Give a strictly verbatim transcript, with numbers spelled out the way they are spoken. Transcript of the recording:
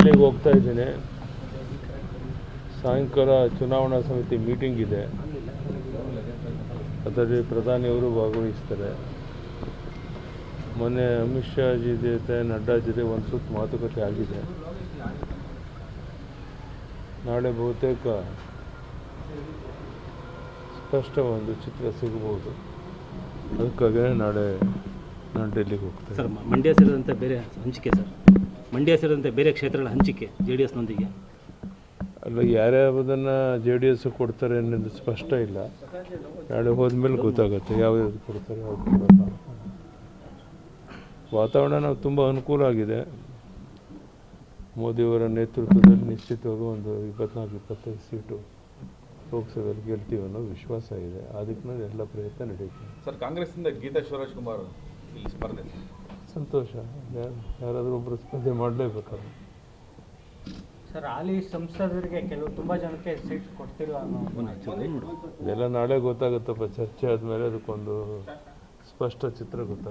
ಡೆಲ್ಲಿಗೆ ಹೋಗ್ತಾ ಇದ್ದೀನಿ. ಸಾಯಂಕಾಲ ಚುನಾವಣಾ ಸಮಿತಿ ಮೀಟಿಂಗ್ ಇದೆ, ಅದರಲ್ಲಿ ಪ್ರಧಾನಿಯವರು ಭಾಗವಹಿಸ್ತಾರೆ. ಮೊನ್ನೆ ಅಮಿತ್ ಶಾ ಜಿ ಜೊತೆ ನಡ್ಡಾ ಜೊತೆ ಒಂದು ಸುತ್ತು ಮಾತುಕತೆ ಆಗಿದೆ. ನಾಳೆ ಬಹುತೇಕ ಸ್ಪಷ್ಟ ಒಂದು ಚಿತ್ರ ಸಿಗಬಹುದು. ಅದಕ್ಕಾಗಿ ನಾಳೆ ನಾನು ಡೆಲ್ಲಿಗೆ ಹೋಗ್ತೇನೆ. ಸರ್, ಮಂಡ್ಯ ಸೇರಿದಂತೆ ಬೇರೆ ಹಂಚಿಕೆ ಸರ್ ಮಂಡ್ಯ ಸೇರಿದಂತೆ ಬೇರೆ ಕ್ಷೇತ್ರಗಳ ಹಂಚಿಕೆ ಜೆ ಡಿ ಎಸ್ನೊಂದಿಗೆ ಅಲ್ಲ, ಯಾರ್ಯಾವುದನ್ನು ಜೆ ಡಿ ಎಸ್ ಕೊಡ್ತಾರೆ ಅನ್ನೋದು ಸ್ಪಷ್ಟ ಇಲ್ಲ. ನಾಳೆ ಹೋದ್ಮೇಲೆ ಗೊತ್ತಾಗುತ್ತೆ ಯಾವ್ಯಾವ್ದು ಕೊಡ್ತಾರೆ, ಯಾವ್ದು ಕೊಡಲ್ಲ. ವಾತಾವರಣ ನಾವು ತುಂಬ ಅನುಕೂಲ ಆಗಿದೆ. ಮೋದಿಯವರ ನೇತೃತ್ವದಲ್ಲಿ ನಿಶ್ಚಿತವಾಗಿ ಒಂದು ಇಪ್ಪತ್ನಾಲ್ಕು ಇಪ್ಪತ್ತೈದು ಸೀಟು ಲೋಕಸಭೆಯಲ್ಲಿ ಗೆಲ್ತೀವಿ ಅನ್ನೋ ವಿಶ್ವಾಸ ಇದೆ. ಅದಕ್ಕೆ ಎಲ್ಲ ಪ್ರಯತ್ನ ನಡೀತೀವಿ. ಸರ್, ಕಾಂಗ್ರೆಸ್ಸಿಂದ ಗೀತಾ ಶಿವರಾಜ್ ಕುಮಾರ್ ಇಲ್ಲಿ ಸ್ಪರ್ಧೆ. ಸಂತೋಷ. ಯಾರಾದರೂ ಒಬ್ಬರು ಸ್ಪರ್ಧೆ ಮಾಡಲೇಬೇಕಲ್ಲ. ಸರ್, ಹಾಲಿ ಸಂಸದರಿಗೆ ಕೆಲವು ತುಂಬ ಜನಕ್ಕೆ ಸೀಟ್ ಕೊಡ್ತಿಲ್ಲ ಅನ್ನೋ ಇದೆಲ್ಲ ನಾಳೆ ಗೊತ್ತಾಗುತ್ತಪ್ಪ. ಚರ್ಚೆ ಆದಮೇಲೆ ಅದಕ್ಕೊಂದು ಸ್ಪಷ್ಟ ಚಿತ್ರ ಗೊತ್ತಾಗುತ್ತೆ.